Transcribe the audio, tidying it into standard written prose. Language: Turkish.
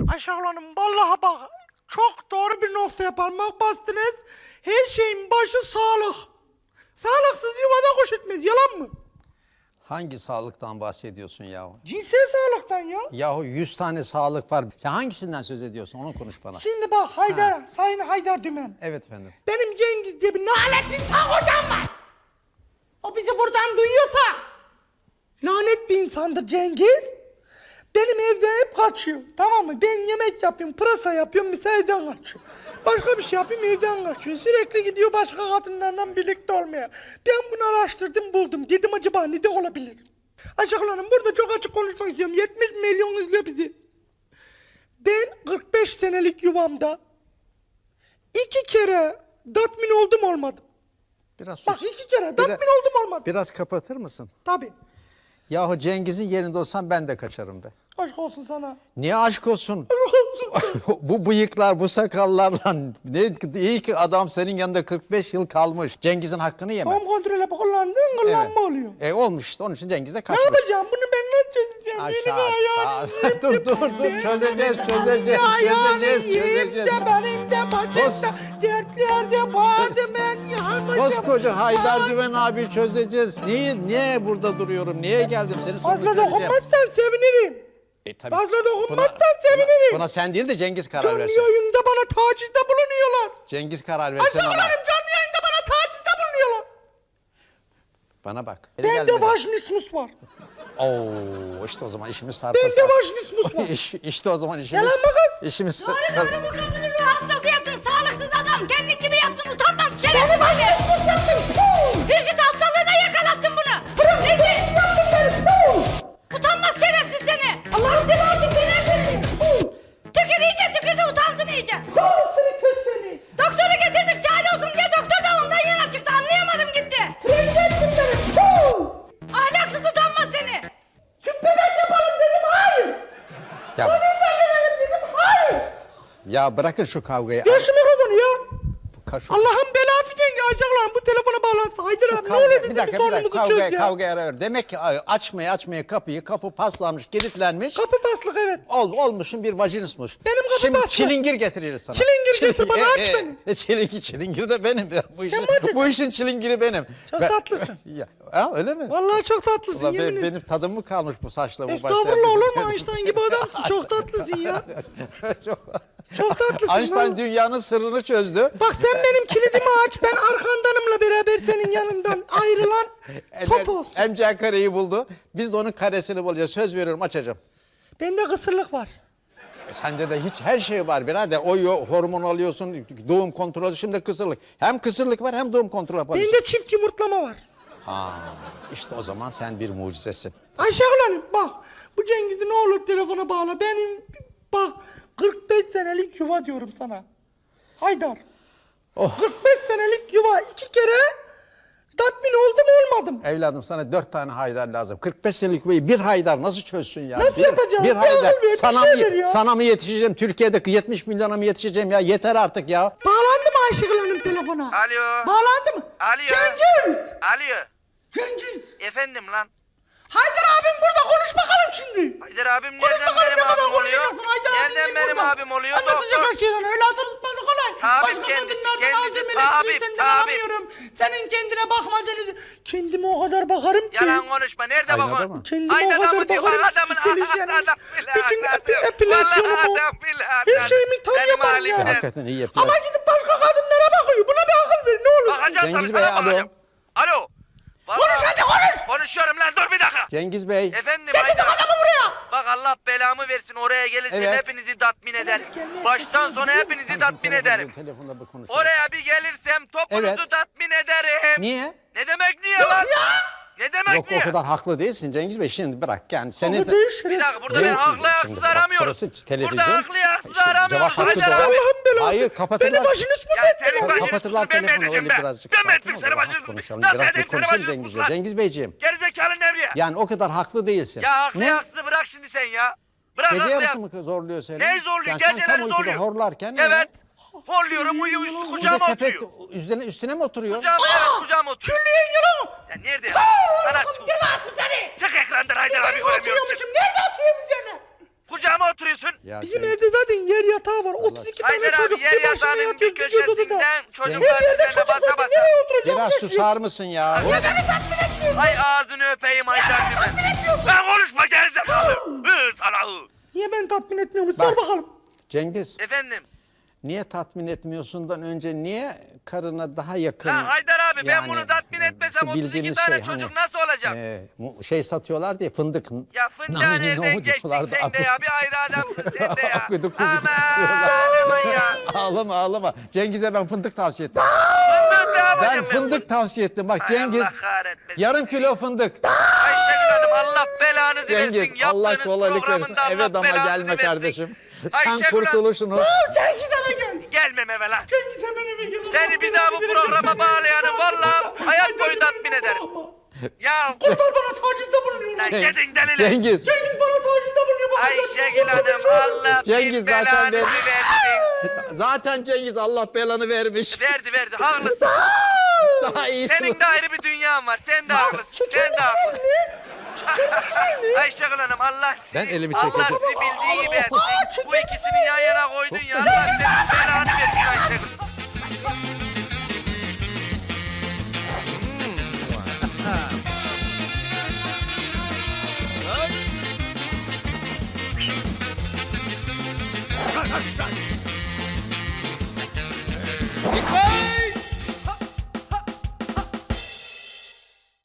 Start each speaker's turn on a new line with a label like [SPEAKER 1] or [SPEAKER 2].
[SPEAKER 1] Ayşegül Hanım vallahi bak çok doğru bir noktaya parmak bastınız. Her şeyin başı sağlık. Sağlıksız yuvada kuş etmez, yalan mı?
[SPEAKER 2] Hangi sağlıktan bahsediyorsun yahu?
[SPEAKER 1] Cinsel sağlıktan ya.
[SPEAKER 2] Yahu 100 tane sağlık var. Sen hangisinden söz ediyorsun? Onu konuş bana.
[SPEAKER 1] Şimdi bak Haydar, Sayın Haydar Dümen.
[SPEAKER 2] Evet efendim.
[SPEAKER 1] Benim Cengiz diye bir naletli sağ hocam var. O bizi buradan duyuyorsa lanet bir insandır Cengiz. Benim evde hep kaçıyor, tamam mı? Ben yemek yapıyorum, pırasa yapıyorum, mesela evden kaçıyor. Başka bir şey yapayım, evden kaçıyor. Sürekli gidiyor başka kadınlarla birlikte olmaya. Ben bunu araştırdım, buldum. Dedim acaba neden olabilir? Ayşegül Hanım burada çok açık konuşmak istiyorum. 70 milyon izliyor bizi. Ben 45 senelik yuvamda 2 kere tatmin oldum olmadım.
[SPEAKER 2] Biraz sus.
[SPEAKER 1] Bak 2 kere tatmin oldum olmadım.
[SPEAKER 2] Biraz kapatır mısın?
[SPEAKER 1] Tabii.
[SPEAKER 2] Yahu Cengiz'in yerinde olsam ben de kaçarım be.
[SPEAKER 1] Aşk olsun sana.
[SPEAKER 2] Niye aşk olsun? Bu bıyıklar, bu sakallarla ne iyi ki adam senin yanında 45 yıl kalmış. Cengiz'in hakkını yeme.
[SPEAKER 1] Tam kontrole kullandığın kullanma oluyor.
[SPEAKER 2] Olmuş işte onun için Cengiz'e
[SPEAKER 1] Ne
[SPEAKER 2] kaçmış.
[SPEAKER 1] yapacağım? Bunu ben nasıl çözeceğim?
[SPEAKER 2] Aşağı. Dur. Çözeceğiz.
[SPEAKER 1] De benim de başımda dertlerde vardı ben yalnızım.
[SPEAKER 2] Koskoca Haydar Dümen abi çözeceğiz. Niye burada duruyorum? Niye geldim? Seni sonra
[SPEAKER 1] Fazla
[SPEAKER 2] çözeceğim.
[SPEAKER 1] dokunmazsan sevinirim.
[SPEAKER 2] Tabii.
[SPEAKER 1] Fazla dokunmazsan sevinirim.
[SPEAKER 2] Buna sen değil de Cengiz karar
[SPEAKER 1] Canlı
[SPEAKER 2] versin.
[SPEAKER 1] yayında bana tacizde bulunuyorlar.
[SPEAKER 2] Cengiz karar versin ona.
[SPEAKER 1] Ayşegül canlı yayında bana tacizde bulunuyorlar.
[SPEAKER 2] Bana bak.
[SPEAKER 1] Bende vajinismus var.
[SPEAKER 2] Oo, işte o zaman işimiz sarpa
[SPEAKER 1] Bende
[SPEAKER 2] sarpa.
[SPEAKER 1] vajinismus var.
[SPEAKER 2] İşte o zaman işimiz.
[SPEAKER 1] Yalan mı kız?
[SPEAKER 2] İşimiz sarpa.
[SPEAKER 3] Doğru bu kadını ruh hastası yaptın, sağlıksız adam. Kendin gibi yaptın, utanmaz şerefsiz.
[SPEAKER 1] Beni vajinismus yaptın.
[SPEAKER 3] Hırşit hastalığına yakalattın bunu. Rezil. Utanmaz şerefsiz seni. Allah'ım seni artık seni. Tükür iyice tükür de utansın iyice.
[SPEAKER 1] Seni.
[SPEAKER 3] Doktoru getirdik çare olsun diye doktor da ondan yana çıktı. Anlayamadım gitti.
[SPEAKER 1] Rezilsin beni.
[SPEAKER 3] Ahlaksız utanmaz seni.
[SPEAKER 1] Bebek yapalım dedim, hayır.
[SPEAKER 2] Ya,
[SPEAKER 1] Dedim, hayır.
[SPEAKER 2] ya bırakın şu kavgayı.
[SPEAKER 1] Ver şu mikrofonu ya.
[SPEAKER 2] Şu
[SPEAKER 1] Allah'ın belası denge Ayşegül Hanım bu telefona bağlansın. Haydar abi ne olur bizim bir sorunumuzu çöz ya.
[SPEAKER 2] kavgaya ara ver. Demek ki açmaya kapı paslanmış, kilitlenmiş.
[SPEAKER 1] Kapı paslık evet.
[SPEAKER 2] Olmuşsun bir vajinismus.
[SPEAKER 1] Benim kapı
[SPEAKER 2] Şimdi
[SPEAKER 1] paslı.
[SPEAKER 2] çilingir getiririz sana.
[SPEAKER 1] Çilingir getir bana, aç beni.
[SPEAKER 2] Çilingir de benim ya.
[SPEAKER 1] açacaksın?
[SPEAKER 2] Bu işin çilingiri benim.
[SPEAKER 1] Çok tatlısın.
[SPEAKER 2] Öyle mi?
[SPEAKER 1] Vallahi çok tatlısın
[SPEAKER 2] Ulan
[SPEAKER 1] yemin ederim.
[SPEAKER 2] benim tadım mı kalmış bu saçla bu başta?
[SPEAKER 1] Estağfurullah olur mu Einstein gibi adamsın. Çok tatlısın ya. Çok tatlısın.
[SPEAKER 2] Einstein
[SPEAKER 1] vallahi.
[SPEAKER 2] dünyanın sırrını çözdü.
[SPEAKER 1] Bak sen benim kilidimi aç. Ben arkandanımla beraber senin yanından ayrılan topoz.
[SPEAKER 2] MC kareyi buldu. Biz de onun karesini bulacağız. Söz veriyorum açacağım.
[SPEAKER 1] Bende kısırlık var.
[SPEAKER 2] Sende de hiç her şey var birader. Hormon alıyorsun, doğum kontrolü, şimdi kısırlık. Hem kısırlık var hem doğum kontrolü yapıyorsun.
[SPEAKER 1] Bende çift yumurtlama var.
[SPEAKER 2] İşte o zaman sen bir mucizesin.
[SPEAKER 1] Ayşegül Hanım bak bu Cengiz'i ne olur telefona bağla. Benim bak 45 senelik yuva diyorum sana. Haydar. 45 senelik yuva 2 kere tatmin oldum olmadım.
[SPEAKER 2] Evladım sana 4 tane Haydar lazım. 45 senelik yuvayı bir Haydar nasıl çözsün ya?
[SPEAKER 1] Nasıl yapacağım?
[SPEAKER 2] Bir
[SPEAKER 1] Bir
[SPEAKER 2] Haydar.
[SPEAKER 1] akıl ver, bir
[SPEAKER 2] Sana,
[SPEAKER 1] şey ver ya.
[SPEAKER 2] sana mı yetişeceğim? Türkiye'deki 70 milyona mı yetişeceğim ya? Yeter artık ya.
[SPEAKER 1] Bağlandı mı Ayşegül Hanım telefona?
[SPEAKER 4] Alo.
[SPEAKER 1] Bağlandı mı?
[SPEAKER 4] Alo.
[SPEAKER 1] Cengiz!
[SPEAKER 4] Alo.
[SPEAKER 1] Cengiz!
[SPEAKER 4] Efendim lan.
[SPEAKER 1] Haydar abim burada konuş bakalım şimdi.
[SPEAKER 4] Haydar abim
[SPEAKER 1] Konuş
[SPEAKER 4] nereden
[SPEAKER 1] bakalım ne
[SPEAKER 4] benim
[SPEAKER 1] kadar
[SPEAKER 4] abim oluyor?
[SPEAKER 1] konuşacaksın Haydar abim
[SPEAKER 4] Nereden
[SPEAKER 1] değil
[SPEAKER 4] benim
[SPEAKER 1] burada.
[SPEAKER 4] abim oluyor?
[SPEAKER 1] Anlatacak her şeyden öyle hatırlatması kolay.
[SPEAKER 4] Abim
[SPEAKER 1] Başka
[SPEAKER 4] kendisi,
[SPEAKER 1] kadınlardan
[SPEAKER 4] kendisi,
[SPEAKER 1] aldığım elektriği
[SPEAKER 4] abim,
[SPEAKER 1] senden
[SPEAKER 4] abim.
[SPEAKER 1] alamıyorum. Senin kendine bakmadığını... Kendime o kadar bakarım ki.
[SPEAKER 4] Yalan konuşma. Nerede
[SPEAKER 2] Aynada
[SPEAKER 4] bakın?
[SPEAKER 2] mı?
[SPEAKER 1] Kendime
[SPEAKER 4] Aynada
[SPEAKER 1] o kadar
[SPEAKER 4] mı diyor?
[SPEAKER 1] bakarım ki
[SPEAKER 4] Adamın
[SPEAKER 1] kişiseleceğim.
[SPEAKER 4] adam bile,
[SPEAKER 1] Bütün
[SPEAKER 4] adam.
[SPEAKER 1] epilasyonumu,
[SPEAKER 4] Vallahi adam bile,
[SPEAKER 1] her
[SPEAKER 4] adam.
[SPEAKER 1] şeyimi tam
[SPEAKER 4] Benim
[SPEAKER 1] yaparım
[SPEAKER 4] halimden.
[SPEAKER 1] yani.
[SPEAKER 2] Hakikaten iyi yapıyor.
[SPEAKER 1] Ama gidip başka kadınlara bakıyor. Buna bir akıl ver ne olur.
[SPEAKER 4] Bakacağım
[SPEAKER 2] Cengiz
[SPEAKER 4] tabii,
[SPEAKER 2] Bey,
[SPEAKER 4] sana
[SPEAKER 2] alo.
[SPEAKER 4] bakacağım. Alo. Vallahi-
[SPEAKER 1] Konuş hadi konuş.
[SPEAKER 4] Konuşuyorum lan, dur bir dakika.
[SPEAKER 2] Cengiz Bey.
[SPEAKER 4] Efendim
[SPEAKER 1] Getirdim
[SPEAKER 4] Haydar.
[SPEAKER 1] adamı buraya.
[SPEAKER 4] Bak Allah belamı versin, oraya gelirsem
[SPEAKER 2] Evet.
[SPEAKER 4] hepinizi tatmin ederim.
[SPEAKER 1] gelmeye
[SPEAKER 4] Baştan sona hepinizi tatmin ederim.
[SPEAKER 2] Telefonda bir konuşalım.
[SPEAKER 4] Oraya bir gelirsem topunuzu
[SPEAKER 2] Evet.
[SPEAKER 4] tatmin ederim.
[SPEAKER 2] Niye?
[SPEAKER 4] Ne demek niye lan? Ne demek
[SPEAKER 2] Yok
[SPEAKER 4] niye?
[SPEAKER 2] o kadar haklı değilsin Cengiz Bey. Şimdi bırak yani seni
[SPEAKER 1] Ama
[SPEAKER 2] de...
[SPEAKER 1] değil
[SPEAKER 4] Bir
[SPEAKER 1] şeref.
[SPEAKER 4] dakika, burada
[SPEAKER 2] Değil
[SPEAKER 4] ben haklı
[SPEAKER 2] mi?
[SPEAKER 4] haksız
[SPEAKER 2] Şimdi bak,
[SPEAKER 4] aramıyorum.
[SPEAKER 2] burası televizyon.
[SPEAKER 4] Burada haklı haksız
[SPEAKER 2] Şimdi
[SPEAKER 4] aramıyorum.
[SPEAKER 2] cevap hakkı
[SPEAKER 4] Haydar
[SPEAKER 2] doğru.
[SPEAKER 4] abi.
[SPEAKER 1] Allah'ın belası.
[SPEAKER 2] Hayır, kapatırlar.
[SPEAKER 1] Beni başınız mı
[SPEAKER 4] Ya
[SPEAKER 1] settiniz?
[SPEAKER 4] senin başını
[SPEAKER 2] Kapatırlar
[SPEAKER 4] ben mi
[SPEAKER 2] telefonu
[SPEAKER 4] edeceğim
[SPEAKER 2] öyle
[SPEAKER 4] be?
[SPEAKER 2] birazcık.
[SPEAKER 4] Ben mi
[SPEAKER 2] Sakin
[SPEAKER 4] ettim
[SPEAKER 2] ol,
[SPEAKER 4] seni
[SPEAKER 2] rahat
[SPEAKER 4] başını?
[SPEAKER 2] konuşalım.
[SPEAKER 4] Nasıl
[SPEAKER 2] Biraz bir
[SPEAKER 4] edeyim seni
[SPEAKER 2] konuşalım
[SPEAKER 4] başını?
[SPEAKER 2] Cengiz Bey. Cengiz Beyciğim.
[SPEAKER 4] Gerizekalı Nevriye.
[SPEAKER 2] Yani o kadar haklı değilsin.
[SPEAKER 4] Ya haklı
[SPEAKER 2] Ne?
[SPEAKER 4] haksız bırak şimdi sen ya. Bırak
[SPEAKER 2] Gece
[SPEAKER 4] haklı
[SPEAKER 2] yarısı
[SPEAKER 4] haksız.
[SPEAKER 2] mı zorluyor seni?
[SPEAKER 4] Neyi zorluyor?
[SPEAKER 2] Yani sen
[SPEAKER 4] Geceleri
[SPEAKER 2] tam uykuda
[SPEAKER 4] zorluyor.
[SPEAKER 2] horlarken...
[SPEAKER 4] Evet. Horluyorum, uyuyor, üstü
[SPEAKER 2] Bir de
[SPEAKER 4] kucağıma
[SPEAKER 2] sepet
[SPEAKER 4] oturuyor.
[SPEAKER 2] üstüne mi oturuyor?
[SPEAKER 4] Kucağıma oturuyor.
[SPEAKER 1] Külliyen yalan.
[SPEAKER 4] Ya nerede? Sana
[SPEAKER 1] Allah'ın belası seni.
[SPEAKER 4] çık ekrandan Haydar abi
[SPEAKER 1] Üzerine
[SPEAKER 4] göremiyorum.
[SPEAKER 1] oturuyormuşum. Nerede oturuyorum üzerine?
[SPEAKER 4] Kucağıma oturuyorsun.
[SPEAKER 2] Ya
[SPEAKER 1] Bizim
[SPEAKER 2] sen-
[SPEAKER 1] evde zaten yer yatağı var. 32 tane
[SPEAKER 4] Haydar
[SPEAKER 1] çocuk
[SPEAKER 4] abi yer
[SPEAKER 1] bir başına
[SPEAKER 4] yatağının bir
[SPEAKER 1] yatıyoruz. Gidiyoruz odada.
[SPEAKER 4] köşesinden
[SPEAKER 1] Her
[SPEAKER 4] çocuklar
[SPEAKER 1] yerde
[SPEAKER 4] üzerine
[SPEAKER 1] çocuk
[SPEAKER 4] basa
[SPEAKER 1] var.
[SPEAKER 4] basa.
[SPEAKER 1] Nereye oturacağım?
[SPEAKER 2] Biraz susar mısın ya?
[SPEAKER 4] Ay ağzını öpeyim Haydar abi. Ben konuşma gerizekalı. Sana hı.
[SPEAKER 1] Niye ben tatmin etmiyorum?
[SPEAKER 2] Bak.
[SPEAKER 1] Sor bakalım.
[SPEAKER 2] Cengiz,
[SPEAKER 4] Efendim.
[SPEAKER 2] niye tatmin etmiyorsundan önce niye karına daha yakın?
[SPEAKER 4] Lan Haydar abi ben
[SPEAKER 2] Yani,
[SPEAKER 4] bunu tatmin etmesem
[SPEAKER 2] şu
[SPEAKER 4] 32
[SPEAKER 2] bildiğiniz
[SPEAKER 4] tane
[SPEAKER 2] şey,
[SPEAKER 4] çocuk
[SPEAKER 2] hani,
[SPEAKER 4] nasıl olacak?
[SPEAKER 2] Şey satıyorlar diye fındık.
[SPEAKER 4] Ya fındığa
[SPEAKER 2] Nani,
[SPEAKER 4] nereden
[SPEAKER 2] nohut
[SPEAKER 4] geçtin
[SPEAKER 2] diyorlardı.
[SPEAKER 4] sen de ya? Bir ayrı adamsın sen de ya.
[SPEAKER 2] Akıdık
[SPEAKER 4] Aman
[SPEAKER 2] kuzucuk diyorlar.
[SPEAKER 4] aman ya.
[SPEAKER 2] Ağlama ağlama. Cengiz'e ben fındık tavsiye ettim.
[SPEAKER 4] Fındık ne yapacağım
[SPEAKER 2] Ben fındık tavsiye ettim. Bak
[SPEAKER 4] Ay
[SPEAKER 2] Cengiz
[SPEAKER 4] Allah kahretmesin.
[SPEAKER 2] yarım kilo fındık.
[SPEAKER 4] Ayşegül Hanım Allah belanızı
[SPEAKER 2] Cengiz
[SPEAKER 4] versin.
[SPEAKER 2] Allah
[SPEAKER 4] Yaptığınız
[SPEAKER 2] kolaylık versin.
[SPEAKER 4] programında
[SPEAKER 2] Eve
[SPEAKER 4] Allah
[SPEAKER 2] dama
[SPEAKER 4] belasını
[SPEAKER 2] gelme
[SPEAKER 4] versin.
[SPEAKER 2] kardeşim. Sen
[SPEAKER 4] Ayşegül Hanım-
[SPEAKER 2] kurtuluşunu.
[SPEAKER 1] Cengiz eve gel.
[SPEAKER 4] Gelmem eve lan.
[SPEAKER 1] Cengiz hemen eve gel.
[SPEAKER 4] Seni bir daha bu programa bağlayanı vallahi hayat boyu tatmin ederim. Ya
[SPEAKER 1] Kurtar bana tacizde bulunuyor.
[SPEAKER 4] lan
[SPEAKER 2] Ceng-
[SPEAKER 4] gidin deliler.
[SPEAKER 2] Cengiz.
[SPEAKER 1] Cengiz bana tacizde bulunuyor. Bak,
[SPEAKER 4] Ayşegül Hanım Allah
[SPEAKER 2] Cengiz
[SPEAKER 4] bin
[SPEAKER 2] zaten
[SPEAKER 4] belanızı
[SPEAKER 2] ver-
[SPEAKER 4] versin.
[SPEAKER 2] Zaten Cengiz Allah belanı vermiş.
[SPEAKER 4] Verdi haklısın.
[SPEAKER 2] Daha iyisi.
[SPEAKER 4] Senin de ayrı bir dünyan var. Sen de haklısın. Sen de haklısın. Ayşegül Hanım Allah sizi,
[SPEAKER 2] Ben elimi
[SPEAKER 4] Allah
[SPEAKER 2] çekeceğim.
[SPEAKER 4] sizi bildiği gibi etsin. Bu ikisini yan yana koydun ya. Allah senin belanı versin Ayşegül.
[SPEAKER 5] Dikkat!